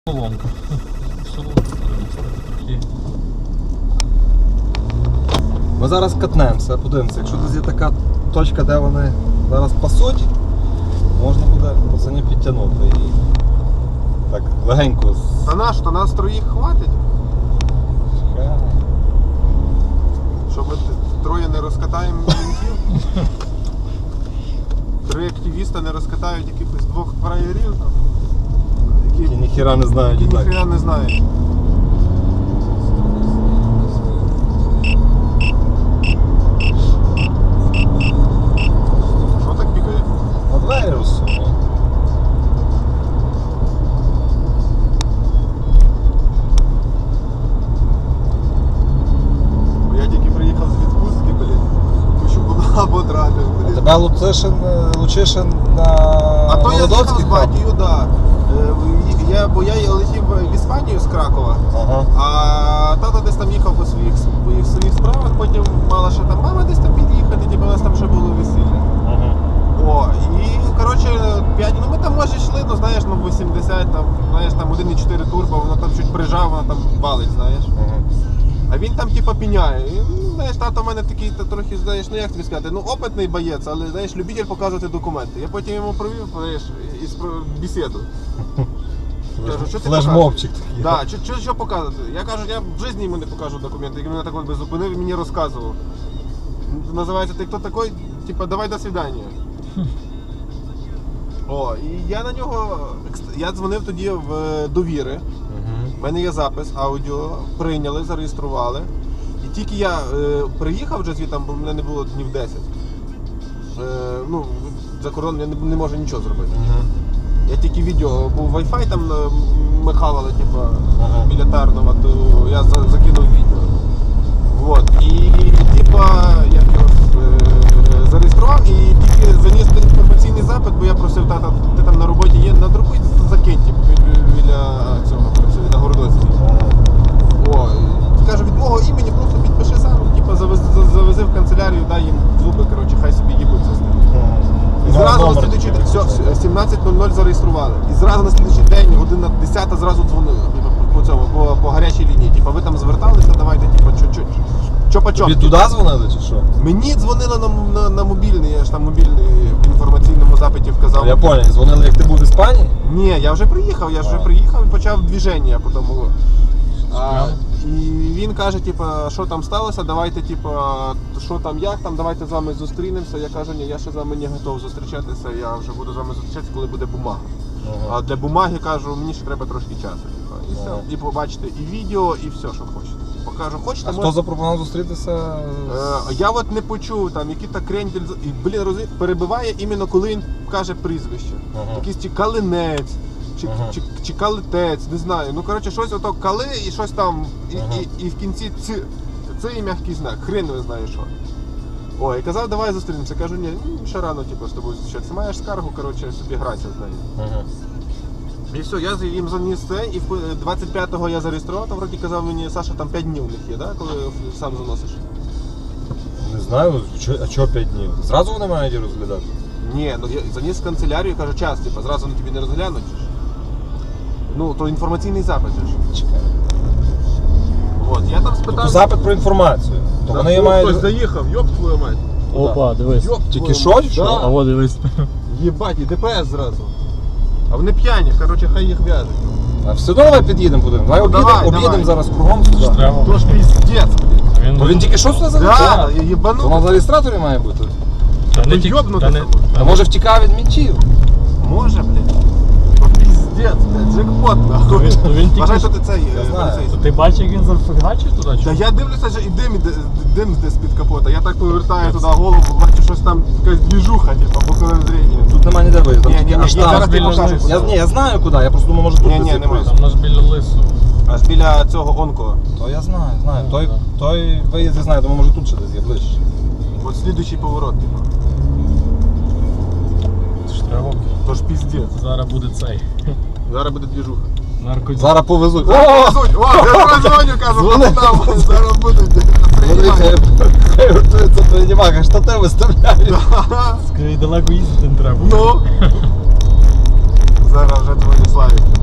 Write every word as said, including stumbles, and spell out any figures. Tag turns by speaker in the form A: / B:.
A: Соломка. Соломка трохи.
B: Ми зараз катнемося, подивимося, якщо десь є така точка, де вони зараз пасуть, можна буде пацанів підтягнути і так легенько.
C: Та наш, то нас троїх хватить,
B: Чекай.
C: щоб ми т- троє не розкатаємо мінтів. Три активіста не розкатають якихось двох фраєрів, там,
B: Які
C: які,
B: ніхіра не знають.
C: які
B: і так.
C: ніхрена не знають. Що так пікає?
B: На двері розсунули.
C: Бо я тільки приїхав з відпустки, блін. Хочу була потрапив,
B: А
C: блін.
B: тебе Лучишин, Лучишин на
C: А то я з'їхав
B: Володовський
C: з
B: хав?
C: батьків, да. Е, Я, бо я летів в Іспанію з Кракова,
B: Ага.
C: а тато десь там їхав по своїх, по своїх справах, потім мала ще там мама десь там під'їхати, ніби у нас там ще було весілля.
B: Ага.
C: О, і коротше, п'ять, ну ми там може йшли, ну знаєш, ну вісімдесят, там, знаєш, там один і чотири турбо, воно там чуть прижав, воно там валить, знаєш.
B: Ага.
C: А він там типа піняє. І, ну, знаєш, тато в мене такий та, трохи, знаєш, ну як тобі сказати, ну опитний боєць, але знаєш, любитель показувати документи. Я потім йому провів, знаєш, із бесіду. Кажу, що ти
B: Флешмобчик
C: показуєш?
B: такий.
C: Да, що, що, що показувати? Я кажу, я в житті йому не покажу документи, який мене так от би зупинив і мені розказував. Називається «Ти хто такий?» Типа давай до свидання. О, і я на нього, я дзвонив тоді в довіри. У мене є запис, аудіо, прийняли, зареєстрували. І тільки я е, приїхав вже звідти, бо мене не було днів десять. Е, ну, за кордон я не, не можу нічого зробити.
B: Ага.
C: Я тільки відео, був Wi-Fi там е, ми хавали, типу,
B: Ага.
C: біля Тарнова, то я за, закинув відео. Вот. І типа я його е, зареєстрував і тільки заніс інформаційний запит, бо я просив тата, ти там на роботі є, надрукуй, закинь, типу, бі- біля цього працює, на Городоцькій. О, і кажу, від мого імені просто підпиши сам, типу, завези, завези в канцелярію, дай їм зуби, коротше, хай собі їбуться з ним. І зразу на слідуючий день, все, сімнадцять нуль нуль зареєстрували. І зразу на слідуючий день, година десята, зразу дзвонили, типу, по цьому, по, по гарячій лінії. Типу, ви там зверталися, давайте, типу, чо-чо, чо-по-чо.
B: Тобі туди дзвонили чи що?
C: Мені дзвонили на, на, на мобільний, я ж там мобільний в інформаційному запиті вказав.
B: Я понял, дзвонили, як ти був в Іспанії?
C: Ні, я вже приїхав, я ж вже
B: А.
C: приїхав і почав движення по тому. А,
A: Справа.
C: і він каже, типа, що там сталося, давайте, типа, що там, як там, давайте з вами зустрінемося. Я кажу, ні, я ще з вами не готов зустрічатися, я вже буду з вами зустрічатися, коли буде бумага.
B: Ага.
C: А для бумаги, кажу, мені ще треба трошки часу. Типа, і
B: Ага.
C: все. І побачите і відео, і все, що хочете. Покажу, хочете,
B: А хто
C: може-
B: запропонував зустрітися?
C: Е, Я от не почув там, які так крендель, і, блін, розумієш, перебиває іменно коли він каже прізвище.
B: Ага.
C: Якийсь чи калинець, чи,
B: Ага.
C: чи, чи калитець, не знаю. Ну, коротше, щось ото кали і щось там, і,
B: Ага.
C: і, і в кінці ці, це і м'який знак, хрен не знає що. О, і казав, давай зустрінемося. Кажу, ні, ну, ще рано, типу, з тобою зустрічатися. Маєш скаргу, коротше, собі грайся з нею.
B: Ага.
C: І все, я їм заніс це, і в- двадцять п'ятого я зареєстрував, там вроді казав мені, Саша, там п'ять днів у них є, да, коли сам заносиш.
B: Не знаю, чо- а чого п'ять днів? Зразу вони мають її розглядати?
C: Ні, ну я заніс в канцелярію, кажу, час, типу, зразу вони тобі не розглянуть. же ж. Ну, то інформаційний запит же ж.
B: Чекай.
C: От, я там
B: Тобто
C: спитав.
B: запит про інформацію. То вони її мають...
C: заїхав, йоп твою мать.
A: Опа, дивись.
C: Йоп,
B: Тільки
C: твою мать.
B: що, чи що?
A: А
C: Да.
A: вот дивись.
C: Єбать, і ДПС зразу. А вони п'яні, коротше, хай їх в'яжуть.
B: А все одно давай під'їдемо будемо. Давай
C: Ну,
B: об'їдемо,
C: давай,
B: об'їдемо
C: давай.
B: зараз кругом сюди.
A: Треба.
C: То ж піздець, блін.
A: Він,
B: То він тільки що сюди зареєстрував?
C: Да,
B: То
C: єбану.
B: на зареєстраторі має бути.
A: Та
C: Ну,
A: не тільки-
C: йобнути
A: та не-
C: собою.
B: А може втікав від мінтів?
C: Може, блін. То піздець, блядь, джекпот, нахуй.
A: він- ну, він тільки
C: Вважай,
A: що-
C: що ти цей
B: Я
C: е,
B: знаю.
C: поліцейський.
A: То ти бачиш, як він зафігачив туди? чи?
C: Та я дивлюся, що і дим, іде, дим десь під капота. Я так повертаю туди голову, бачу, щось там якась двіжуха, типу, боковим зрінням.
B: Тут нема ніде виїзду.
C: Ні,
B: там
C: ні,
B: тільки
C: ні,
B: аж
C: ні,
B: там.
C: зараз ти
A: біля
C: покажеш.
A: лису.
B: Я, ні, я знаю куди, я просто думаю, може тут
C: Ні,
B: десь
C: ні,
B: є
C: нема.
B: проїзд.
A: Там наш біля лису.
C: Аж біля цього онко.
B: То я знаю, знаю. Той,
A: Ну,
B: той виїзд я знаю, думаю, може тут ще десь є ближче.
C: От слідуючий поворот, типу.
A: Це ж треба.
C: Тож піздець.
A: Зараз буде цей.
C: Зараз буде двіжуха.
A: Наркоділь.
B: Зараз повезуть. О!
C: Суть, о, я прозвоню, кажу,
B: Дзвони.
C: там, зараз будуть.
B: Вони хай хай готуються приймати, штати виставляють.
A: Скажи, далеко їздити не треба.
C: Ну. Зараз вже дзвоню Славі.